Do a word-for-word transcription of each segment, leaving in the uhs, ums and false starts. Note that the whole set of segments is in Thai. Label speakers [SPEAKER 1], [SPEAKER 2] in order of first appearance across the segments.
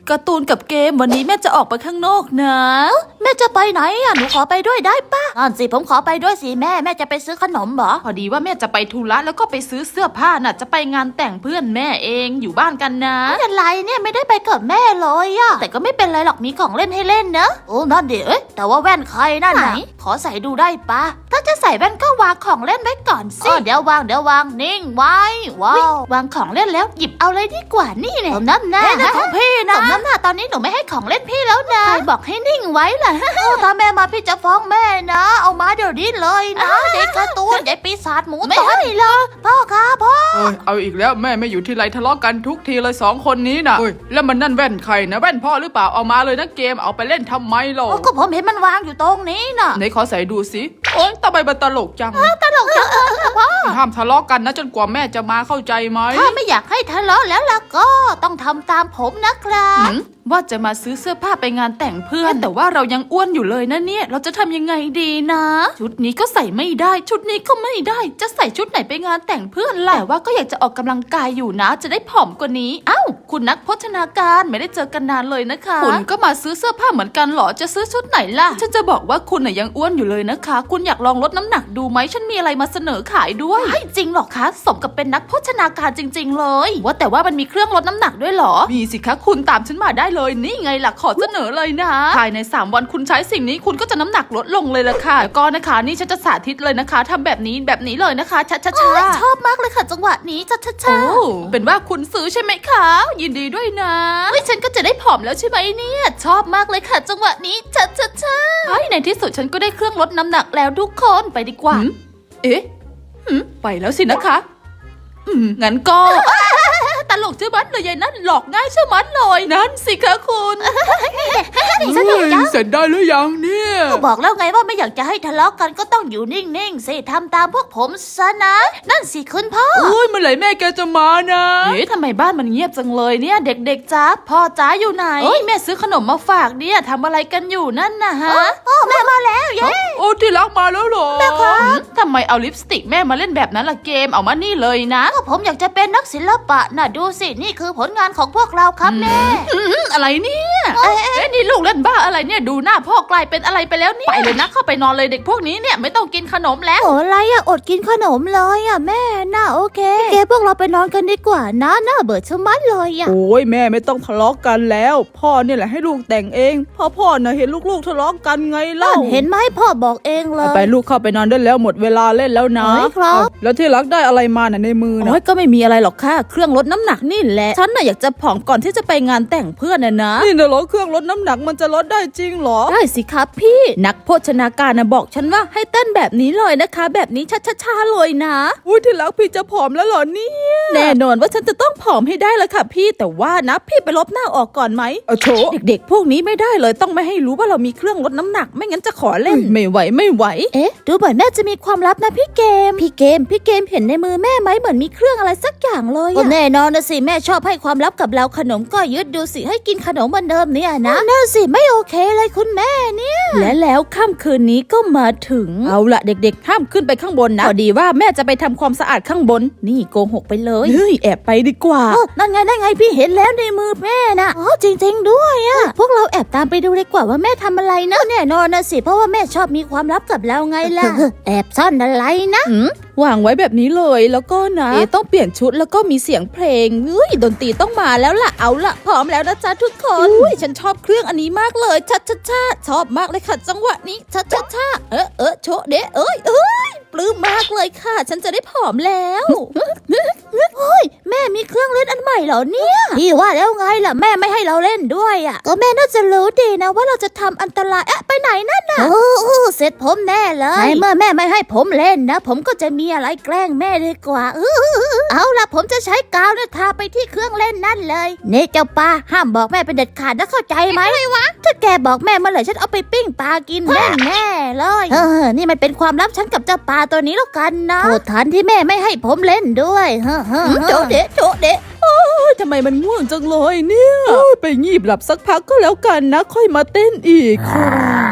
[SPEAKER 1] การ์ตูนกับเกมวันนี้แม่จะออกไปข้างนอกนะแม่จะไปไหนอ่ะหนูขอไปด้วยได้ปะนั่นสิผมขอไปด้วยสิแม่แม่จะไปซื้อขนมเหรอพอดีว่าแม่จะไปธุระแล้วก็ไปซื้อเสื้อผ้าน่ะจะไปงานแต่งเพื่อนแม่เองอยู่บ้านกันนะไม่เป็นไรเนี่ยไม่ได้ไปกับแม่เลยอ่ะแต่ก็ไม่เป็นไรหรอกมีของเล่นให้เล่นนะโอ้นั่นดิเอ๊ะแต่ว่าแว่นใครนั่นไหนขอใส่ดูได้ปะถ้าจะใส่แว่นก็วางของเล่นไว้ก่อนสิเดี๋ยววางเดี๋ยววางนิ่งไว้ว้าววางของเล่นแล้วหยิบเอาเลยดีกว่านี่เนี่ยผมน้ำหน้าของพี่นะผมน้ำหน้าตอนนี้หนูไม่ให้ของเล่นพี่แล้วนะใครบอกให้นิ่งไว้ล่ะถ้าแม่มาพี่จะฟ้องแม่นะเอามาเดี๋ยวนี้เลยนะเด็กการ์ตูนเด็กปีศาจหมูไม่ให้เลยพ่อค่ะพ่อ
[SPEAKER 2] เอาอีกแล้วแม่ไม่อยู่ที่ไรทะเลาะกันทุกทีเลยสองคนนี้นะแล้วมันนั่นแว่นใครนะแว่นพ่อหรือเปล่าเอามาเลยนะเกมเอาไปเล่นทำไมหรอ
[SPEAKER 1] ก็ผมเห็นมันวางอยู่ตรงนี้น่ะ
[SPEAKER 2] ไหนขอใส่ดูสิโอ๊ยทำไมมันตลกจัง
[SPEAKER 1] ตลกจังเลยค่ะพ่อ
[SPEAKER 2] ห้ามทะเลาะกันนะจนกว่าแม่จะมาเข้าใจไหม
[SPEAKER 1] ถ้าไม่อยากให้ทะเลาะแล้วล่ะก็ต้องทำตามผมนะครับว่าจะมาซื้อเสื้อผ้าไปงานแต่งเพื่อนแต่ว่าเรายังอ้วนอยู่เลยนะเนี่ยเราจะทำยังไงดีนะชุดนี้ก็ใส่ไม่ได้ชุดนี้ก็ไม่ได้จะใส่ชุดไหนไปงานแต่งเพื่อนล่ะแต่ว่าก็อยากจะออกกำลังกายอยู่นะจะได้ผอมกว่านี้เอ้าคุณนักโภชนาการไม่ได้เจอกันนานเลยนะคะคุณก็มาซื้อเสื้อผ้าเหมือนกันหรอจะซื้อชุดไหนล่ะฉันจะบอกว่าคุณน่ะยังอ้วนอยู่เลยนะคะคุณอยากลองลดน้ำหนักดูไหมฉันมีอะไรมาเสนอขายด้วยไม่จริงหรอกคะสมกับเป็นนักโภชนาการจริงๆเลยว่าแต่ว่ามันมีเครื่องลดน้ำหนักด้วยหรอมีสิคะคุณตามฉันมาได้เลยนี่ไงล่ะขอเสนอเลยนะภายในสามวันคุณใช้สิ่งนี้คุณก็จะน้ำหนักลดลงเลยละค่ะแล้วก็นะคะนี่ฉันจะสาธิตเลยนะคะทำแบบนี้แบบนี้เลยนะคะช้าช้าชอบมากเลยค่ะจังหวะนี้ช้าช้าช้าเป็นว่าคุณซื้อใช่ไหมคะยินดีด้วยนะเฮ้ยฉันก็จะได้ผอมแล้วใช่ไหมเนี่ยชอบมากเลยค่ะจังหวะนี้ช้าช้าช้าในที่สุดฉันก็ได้เครื่องลดน้ำหนักแล้วทุกคนไปดีกว่าเอ๊ะไปแล้วสินะคะงั้นก็ตลกเชื่อมันเลยยายนั่นหลอกง่ายเชื่อมันเลยนั่นสิคะคุณ
[SPEAKER 2] สนุกจังเสร็จได้หรือยังเนี่ย
[SPEAKER 1] ก็บอกแล้วไงว่าไม่อยากจะให้ทะเลาะกันก็ต้องอยู่นิ่งๆสิทำตามพวกผมซะนะนั่นสิคุณพ่อ
[SPEAKER 2] โอ้ยเมื่อไหร่แม่แกจะมานะ
[SPEAKER 1] เอ๊ะทำไมบ้านมันเงียบจังเลยเนี่ยเด็กๆจ้าพ่อจ้าอยู่ไหนเอ้ยแม่ซื้อขนมมาฝากเนี่ยทำอะไรกันอยู่นั่นนะฮะโอ้แม่มาแล้วเย้
[SPEAKER 2] โอ้ที่รักมาแล้วหรอ
[SPEAKER 1] แม่ครับทำไมเอาลิปสติกแม่มาเล่นแบบนั้นล่ะเกมเอามานี่เลยนะก็ผมอยากจะเป็นนักศิลปะน่ะดูสินี่คือผลงานของพวกเราครับแม่อะไรเนี่ยเอ๊ะนี่ลูกเล่นบ้าอะไรเนี่ยดูหน้าพ่อกลายเป็นอะไรไปแล้วเนี่ยไปเลยนะเข้าไปนอนเลยเด็กพวกนี้เนี่ยไม่ต้องกินขนมแล้วโอ้อะไรอะอดกินขนมเลยอะแม่น่าโอเคเกพวกเราไปนอนกันดีกว่านะน่าเบื่อชะมัดเลยอะ
[SPEAKER 2] โอ้ยแม่ไม่ต้องทะเลาะกันแล้วพ่อเนี่ยแหละให้ลูกแต่งเองพ่อพ่อน่ะเห็นลูกๆทะเลาะกันไงเล่า
[SPEAKER 1] เห็นไหมพ่อบอกเองเลย
[SPEAKER 2] ไปลูกเข้าไปนอนได้แล้วหมดเวลาเล่นแล้วนะครับแล้วที่รักได้อะไรมาน่ะในมือนะ
[SPEAKER 1] โอ้ยก็ไม่มีอะไรหรอกค่ะเครื่องลดน้ำหนักนี่แหละฉันน่ะอยากจะผอมก่อนที่จะไปงานแต่งเพื่อนน่ะนะ
[SPEAKER 2] นี่นะเหรอเครื่องลดน้ำหนักมันจะลดได้จริงเหรอ
[SPEAKER 1] ได้สิครับพี่นักโภชนาการนะบอกฉันว่าให้เต้นแบบนี้เลยนะคะแบบนี้ช้าๆเลยนะ
[SPEAKER 2] อุ้ยที่รักพี่จะผอมแล้วเหรอเนี่ย
[SPEAKER 1] แน่นอนว่าฉันจะต้องผอมให้ได้ละค่ะพี่แต่ว่านะพี่ไปลบหน้าออกก่อนไหม
[SPEAKER 2] เอาโถ
[SPEAKER 1] เด็กๆพวกนี้ไม่ได้เลยต้องไม่ให้รู้ว่าเรามีเครื่องลดน้ำหนักไม่งั้นจะขอเล่น
[SPEAKER 2] ไม่ไหวไม่ไหว
[SPEAKER 1] เอ๊ะดูเหมือนแม่จะมีความลับนะพี่เกมพี่เกมพี่เกมเห็นในมือแม่ไหมเหมือนมีเครื่องอะไรสักอย่างเลยก็แน่นอนนะสิแม่ชอบให้ความลับกับเราขนมก็ยึดดูสิให้กินขนมเหมือนเดิมเนี่ยนะนั่นสิไม่โอเคเลยคุณแม่เนี่ยและแล้วค่ำคืนนี้ก็มาถึงเอาละเด็กๆห้ามขึ้นไปข้างบนนะพอดีว่าแม่จะไปทำความสะอาดข้างบนนี่โกหกไปเลย
[SPEAKER 2] เฮ้ยแอบไปดีกว่า
[SPEAKER 1] นั่นไงนั่นไงพี่เห็นแล้วในมือแม่นะอ๋อจริงๆด้วยอะพวกเราแอบตามไปดูดีกว่าว่าแม่ทำอะไรนะแน่นอนนะสิเพราะว่าแม่ชอบมีความลับกับเราไงล่ะแอบซ่อนอะไรนะ
[SPEAKER 2] วางไว้แบบนี้เลยแล้วก็นะเอต้องเปลี่ยนชุดแล้วก็มีเสียงเพลงเฮ้ยดนตรีต้องมาแล้วล่ะเอาล่ะพร้อมแล้วนะจ๊ะทุกคนอุ้ยฉันชอบเครื่องอันนี้มากเลยชัดชัดชัดชอบมากเลยค่ะจังหวะนี้ชัดชัดชัดเออเออโชเดะเอ้ยเอ้ยปลื้มมากเลยค่ะฉันจะได้ผอมแล้ว
[SPEAKER 1] เฮ้ยแม่มีเครื่องเล่นอันใหม่เหรอเนี่ยพี่ว่าแล้วไงล่ะแม่ไม่ให้เราเล่นด้วยอ่ะก็แม่น่าจะรู้ดีนะว่าเราจะทำอันตรายเอ๊ะไปไหนนั่นน่ะโอ้โหเสร็จผมแน่เลยในเมื่อแม่ไม่ให้ผมเล่นนะผมก็จะมีอะไรแกล้งแม่ดีกว่าเอาล่ะผมจะใช้กาวเนี่ยทาไปที่เครื่องเล่นนั่นเลยเน่เจ้าปลาห้ามบอกแม่เป็นเด็ดขาดนะเข้าใจไหมอะไรวะถ้าแกบอกแม่เมื่อไหร่ฉันเอาไปปิ้งปลากินแน่แน่เลยเออนี่มันเป็นความลับฉันกับเจ้าปลาตัวนี้แล้วกันนะโทษฐานที่แม่ไม่ให้ผมเล่นด้วยเฮ้อโจเดะโจเดะ
[SPEAKER 2] โอ้ยทำไมมันง่วงจังเลยเนี่ยไปงีบหลับสักพักก็แล้วกันนะค่อยมาเต้นอีก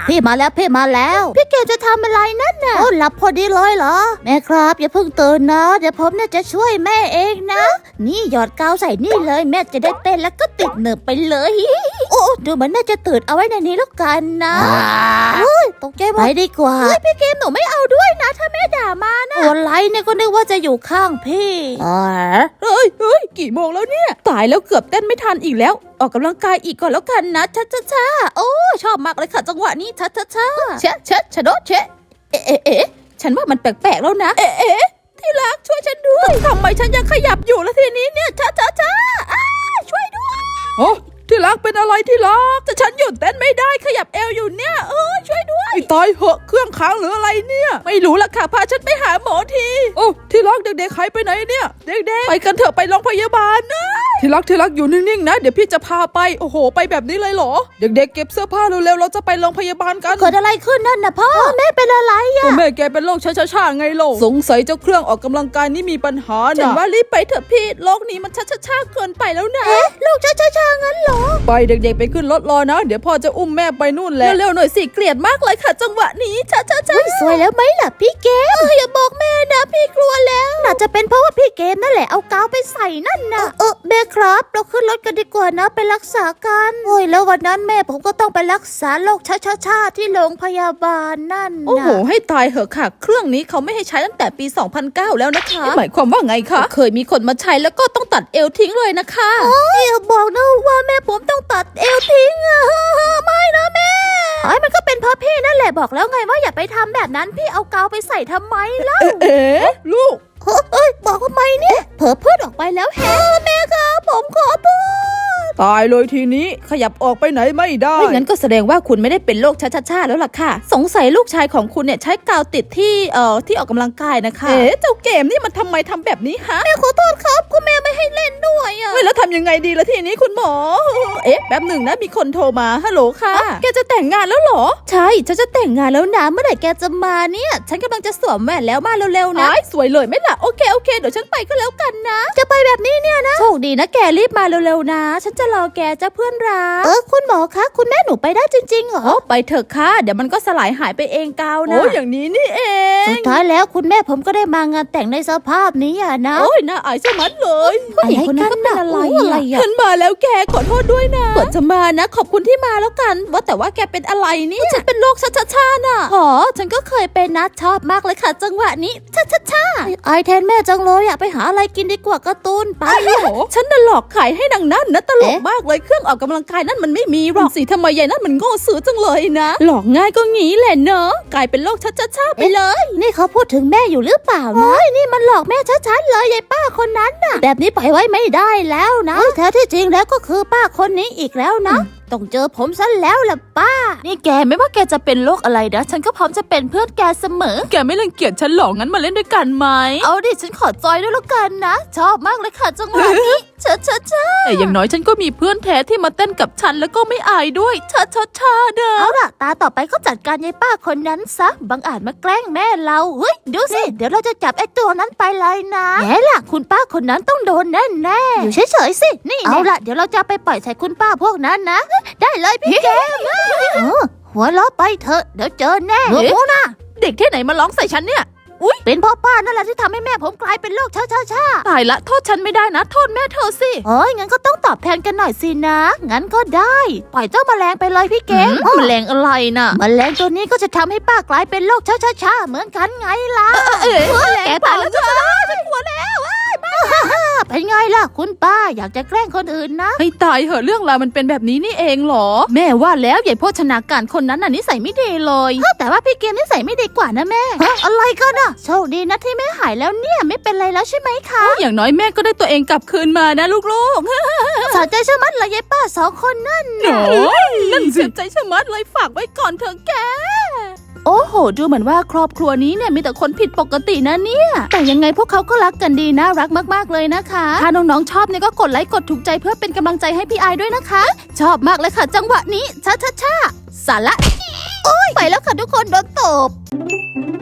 [SPEAKER 2] พี่มาแล้วพี่มาแล้วพี่เกจะทำอะไรนั่นน่ะโอ้หลับพอดีเลยเหรอแม่ครับอย่าเพิ่งตื่นนะเดี๋ยวผมเนี่ยจะช่วยแม่เองนะนี่หยอดกาวใส่นี่เลยแม่จะได้เต้นแล้วก็ติดเหนือไปเลยโอ้ดูเหมือนแม่จะตื่นเอาไว้ในนี้แล้วกันนะเฮ้ยตกใจไปดีกว่าเฮ้ยพี่เกมหนูไม่เอาด้วยนะถ้าแม่ด่ามานะตัวไรเนี่ยก็นึกว่าจะอยู่ข้างพี่อ๋อเฮ้ยเฮ้ยกี่โมงแล้วเนี่ยตายแล้วเกือบเต้นไม่ทันอีกแล้วออกกำลังกายอีกก่อนแล้วกันนะช้าช้าช้าโอ้ชอบมากเลยค่ะจังหวะนี้ช้าช้าช้าเชะเชะชะโดเชะเอ๊ะเอ๊ะเอ๊ะฉันว่ามันแปลกๆแล้วนะเอ๊ะเอ๊ะที่รักช่วยฉันด้วยทำไมฉันยังขยับอยู่แล้วทีนี้เนี่ยช้าช้าช้าช่วยด้วยโอ้ที่รักเป็นอะไรที่รักแต่ฉันหยุดเต้นไม่ได้ขยับเอวอยู่เนี่ยเออช่วยด้วยตายเหอะเครื่องค้างหรืออะไรเนี่ยไม่รู้ละค่ะพาฉันไปหาหมอทีโอ้ที่รักเด็กๆหายไปไหนเนี่ยเด็กๆไปกันเถอะไปโรงพยาบาลนะที่รักที่รักอยู่นิ่งๆนะเดี๋ยวพี่จะพาไปโอ้โหไปแบบนี้เลยเหรอเด็กๆเก็บเสื้อผ้าเร็วๆเราจะไปโรงพยาบาลกันเกิดอะไรขึ้นนั่นนะพ่อแม่เป็นอะไรอะแม่แกเป็นโรคช้าๆไงโลสงสัยเจ้าเครื่องออกกำลังกายนี่มีปัญหานะฉันว่ารีบไปเถอะพี่โรคนี้มันช้าๆเกินไปแล้วนะเอ๊ะโรคช้าๆงั้นเหรอไปเด็กๆไปขึ้นรถรอนะเดี๋ยวพ่อจะอุ้มแม่ไปนู่นแล้วเร็วๆหน่อยสิเกลียดมากเลยค่ะจังหวะนี้ช้าๆๆสวยแล้วไหมล่ะพี่เกมอย่าบอกแม่นะพี่กลัวแล้วน่าจะเป็นเพราะว่าพี่เกมนั่นแหละเอากาวไปใส่นั่นนะเออแม่ครับเราขึ้นรถกันดีกว่านะไปรักษากันโอ้ยแล้ววันนั้นแม่ผมก็ต้องไปรักษาโรคช้าๆๆที่โรงพยาบาลนั่นโอ้โหให้ตายเหอะค่ะเครื่องนี้เขาไม่ให้ใช้ตั้งแต่ปีสองพันเก้าแล้วนะคะหมายความว่าไงคะเคยมีคนมาใช้แล้วก็ต้องตัดเอวทิ้งเลยนะคะอย่าบอกนะว่าแม่ผมต้องตัดเอวทิ้งอะไม่นะแม่ไอ้มันก็เป็นเพราะพี่นั่นแหละบอกแล้วไงว่าอย่าไปทำแบบนั้นพี่เอากาวไปใส่ทำไมล่ะเอ๊ะลูกเอ้ยบอกทำไมเนี่ยเผลอพูดออกไปแล้วแฮแม่ครับผมขอโทษตายเลยทีนี้ขยับออกไปไหนไม่ได้ไม่งั้นก็แสดงว่าคุณไม่ได้เป็นโรคช้าๆๆแล้วล่ะค่ะสงสัยลูกชายของคุณเนี่ยใช้กาวติดที่เอ่อที่ออกกำลังกายนะคะเอ๊ะเจ้าเกมนี่มันทำไมทำแบบนี้ฮะแม่ขอโทษครับคุณแม่ไม่ให้เล่นด้วยอ่ะแล้วทำยังไงดีล่ะทีนี้คุณหมอเอ๊ะแป๊บหนึ่งนะมีคนโทรมาฮัลโหลค่ะแกจะแต่งงานแล้วเหรอใช่ฉันจะแต่งงานแล้วนะเมื่อไหร่แกจะมาเนี่ยฉันกำลังจะสวมแหวนแล้วมาเร็วๆนะสวยเลยไหมล่ะโอเคโอเคเดี๋ยวฉันไปก็แล้วกันนะจะไปแบบนี้เนี่ยนะโชคดีนะแกรีบมาเร็วๆนะฉันจะรอแกจะเพื่อนรักเออคุณหมอคะคุณแม่หนูไปได้จริงๆเหรอไปเถอะค่ะเดี๋ยวมันก็สลายหายไปเองกาวนะโอ้อย่างนี้นี่เองสุดท้ายแล้วคุณแม่ผมก็ได้มางานแต่งในสภาพนี้อ่ะนะโอ้ยน่าอายสมัดเลยผู้หญิงคนนั้นก็เป็นอะไรอะไรอ่ะฉันมาแล้วแกขอโทษด้วยนะก่อนจะมานะขอบคุณที่มาแล้วกันว่าแต่ว่าแกเป็นอะไรนี่ฉันเป็นโรคช้าๆๆน่ะอ๋อฉันก็เคยเป็นนะชอบมากเลยค่ะจังหวะนี้ช้าๆๆไอแทนแม่จังเลยอยากไปหาอะไรกินดีกว่าการ์ตูนไปฉันน่ะหลอกขายให้นางนั่นนะตลกมากเลยเครื่องออกกำลังกายนั่นมันไม่มีหรอกสิทำไมยายนั่นมันโง่ซื้อจังเลยนะหลอกง่ายก็งี้แหละเนอะกลายเป็นโรคช้าๆๆไปเลยนี่เขาพูดถึงแม่อยู่หรือเปล่านะนี่มันหลอกแม่ชัดๆเลยยายป้าคนนั้นน่ะแบบนี้ปล่อยไว้ไม่ได้แล้วนะแท้ที่จริงแล้วก็คือป้าคนนี้อีกแล้วนะต้องเจอผมซะแล้วล่ะป้านี่แกไม่ว่าแกจะเป็นโรคอะไรนะฉันก็พร้อมจะเป็นเพื่อนแกเสมอแกไม่รังเกียจฉันหรอกงั้นมาเล่นด้วยกันไหมเอาดิฉันขอจอยด้วยแล้วกันนะชอบมากเลยค่ะจังหวะนี้เชิดเชิดเชิดแต่อย่างน้อยฉันก็มีเพื่อนแท้ที่มาเต้นกับฉันแล้วก็ไม่อายด้วยเชิดเชิดเชิดเด้อเอาล่ะตาต่อไปก็จัดการยายป้าคนนั้นซะบังอาจมาแกล้งแม่เราเฮ้ยดูสิเดี๋ยวเราจะจับไอ้ตัวนั้นไปเลยนะแง่ล่ะคุณป้าคนนั้นต้องโดนแน่แน่อยู่เฉยๆสินี่เอาล่ะเดี๋ยวเราจะไปปล่อยใส่คุณป้าพวกนั้นนะได้เลยพี่แกหัวล้อไปเถอะเดี๋ยวเจอแน่โอ้นะเด็กที่ไหนมาร้องใส่ฉันเนี่ยอุ๊ยเป็นพ่อป้านั่นแหละที่ทำให้แม่ผมกลายเป็นโรคช้าช้าช้าตายละโทษฉันไม่ได้นะโทษแม่เธอสิเอ้ยงั้นก็ต้องตอบแทนกันหน่อยสินะงั้นก็ได้ปล่อยเจ้าแมลงไปเลยพี่เก๋แมลงอะไรน่ะแมลงตัวนี้ก็จะทำให้ป้ากลายเป็นโรคช้าช้าช้าเหมือนกันไงล่ะเอ๊ะแกตายแล้วจ้าฉันกลัวแล้วเป็นไงล่ะคุณป้าอยากจะแกล้งคนอื่นนะให้ตายเหอะเรื่องราวมันเป็นแบบนี้นี่เองเหรอแม่ว่าแล้วใหญ่โภชนาการคนนั้นน่ะนิสัยไม่ดีเลยแต่ว่าพี่เกมนิสัยไม่ดีกว่านะแม่อะไรกันอ่ะโชคดีนะที่แม่หายแล้วเนี่ยไม่เป็นไรแล้วใช่ไหมคะอย่างน้อยแม่ก็ได้ตัวเองกลับคืนมานะลูกๆสนใจชะมัดเลยยายป้าสองคนนั่นน่ะนั่นสิใจชะมัดเลยฝากไว้ก่อนเถอะแกโอ้โหดูเหมือนว่าครอบครัวนี้เนี่ยมีแต่คนผิดปกตินะเนี่ยแต่ยังไงพวกเขาก็รักกันดีน่ารักมากๆเลยนะคะถ้าน้องๆชอบเนี่ยก็กดไลค์กดถูกใจเพื่อเป็นกำลังใจให้พี่ไอด้วยนะคะชอบมากเลยค่ะจังหวะนี้ช้าๆๆสาระโอ้ยไปแล้วค่ะทุกคนโดนตบ